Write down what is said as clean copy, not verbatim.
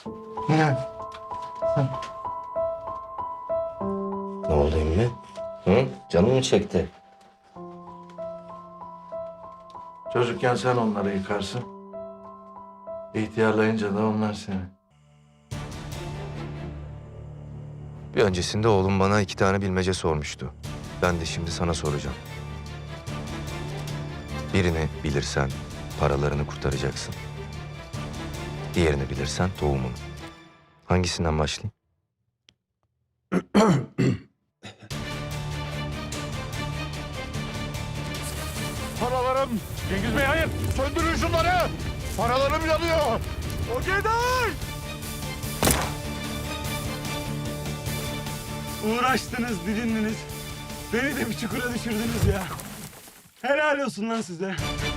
Ne? Ne oldu emmi? Hı? Canın mı çekti? Çocukken sen onları yıkarsın. İhtiyarlayınca da onlar seni. Bir öncesinde oğlum bana 2 tane bilmece sormuştu. Ben de şimdi sana soracağım. Birini bilirsen paralarını kurtaracaksın. Diğerini bilirsen tohumunu. Hangisinden başlayayım? Paralarım! Cengiz Bey hayır! Söndürün şunları! Paralarım yanıyor! O Geday! Uğraştınız, didindiniz. Beni de bir çukura düşürdünüz ya. Helal olsun lan size.